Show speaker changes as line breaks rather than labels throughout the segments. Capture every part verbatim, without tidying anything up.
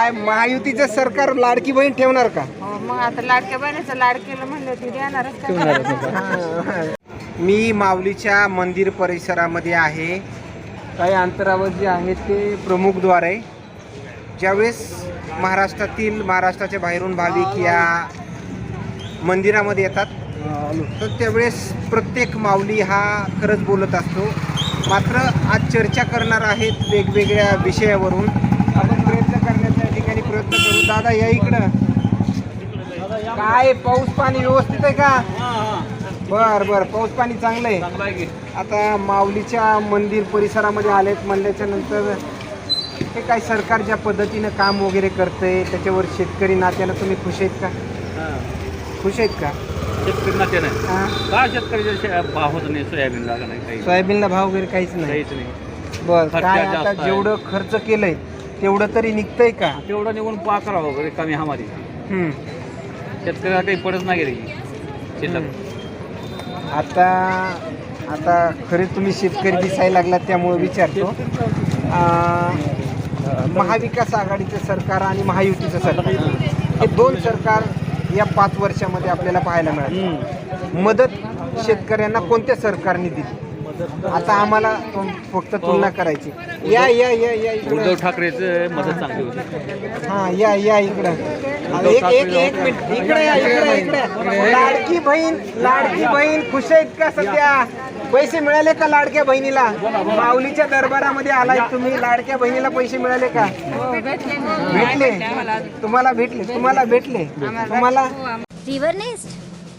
काय महायुतीचं सरकार लाडकी बहीण ठेवणार का?
हो, मग आता लाडक्या बहिणीचं लाड केलं म्हणलं ती देणारच का?
मी माऊलीच्या मंदिर परिसरामध्ये आहे. काही अंतरावर जे आहे ते प्रमुखद्वार आहे. ज्यावेळेस महाराष्ट्रातील महाराष्ट्राच्या बाहेरून भाविक या मंदिरामध्ये येतात तर त्यावेळेस प्रत्येक माऊली हा खरंच बोलत असतो. मात्र आज चर्चा करणार आहेत वेगवेगळ्या विषयावरून. आपण प्रयत्न करण्याच्या ठिकाणी प्रयत्न करू. दादा या इकडं. काय पाऊस पाणी व्यवस्थित आहे का? बर बर पाऊस पाणी चांगलं आहे. आता माऊलीच्या मंदिर परिसरामध्ये आलेत म्हणल्याच्या नंतर हे काय सरकार ज्या पद्धतीनं काम वगैरे करतंय त्याच्यावर शेतकरी नात्यानं तुम्ही खुश आहेत का? खुश आहेत का?
शेतकरी नात्यानं
हां
का शेतकऱ्याचा भाव होत नाही सोयाबीनला का नाही काही
सोयाबीनला भाव वगैरे काहीच नाही.
काहीच नाही.
बर
खर्च
काय
जास्त
आता
आहे.
जेवढं खर्च केलंय तेवढं तरी निघतंय का?
तेवढं निघून पा करावं वगैरे कमी हमारी
हम्म.
शेतकऱ्याला काही पडत नाही गेली शेतात.
आता आता खरे तुम्ही शेतकरी दिसायला लागलात त्यामुळे विचारतो. अं, महाविकास आघाडीचं सरकार आणि महायुतीचं सरकार हे दोन सरकार या पाच वर्षामध्ये आपल्याला पाहायला मिळालं. मदत शेतकऱ्यांना कोणत्या सरकारने दिली? आता आम्हाला तुम- फक्त तुलना करायची. या या या या
उद्धव
इकडं.
ठाकरेचं मदत चांगली होती.
हा या या इकडं. एक एक एक मिनिट इकडे या इकडे इकडे. लाडकी बहीण लाडकी बहीण खुश आहेत का सध्या? पैसे मिळाले का लाडक्या बहिणीला? माऊलीच्या दरबारामध्ये आलाय तुम्ही, लाडक्या बहिणीला पैसे मिळाले का? भेटले तुम्हाला? भेटले तुम्हाला? भेटले तुम्हाला?
रिव्हरनेस्ट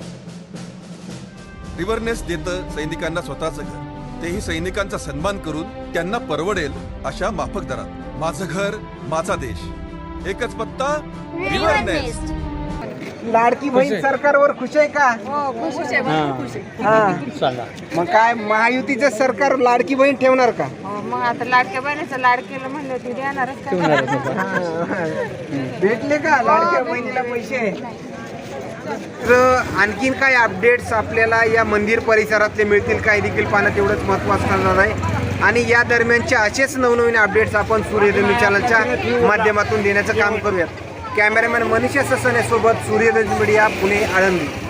रिव्हरनेस देतं सैनिकांना स्वतःचं घर, तेही सैनिकांचा सन्मान करून त्यांना परवडेल अशा माफक दरात. माझं घर माझा देश, एकच पत्ता रिव्हरनेस्ट.
लाडकी बहीण सरकारवर खुश आहे का?
हो, खुश आहे, भरपूर खुश आहे.
हा मग काय महायुतीचं सरकार लाडकी बहीण ठेवणार का?
हो, मग आता लाडक्या बहिणीचं लाड केलं म्हणलं ती देणारच का?
भेटले का लाडक्या बहिणीला पैसे? तर आणखीन काय अपडेट्स आपल्याला या मंदिर परिसरातले मिळतील काय देखील पाहणं तेवढंच महत्त्वाचं ठरणार आहे. आणि या दरम्यानचे असेच नवनवीन अपडेट्स आपण सूर्यधनु चॅनलच्या माध्यमातून देण्याचं काम करूयात. कॅमेरामॅन मनीष ससने सोबत सूर्यधनु मीडिया पुणे आळंदी.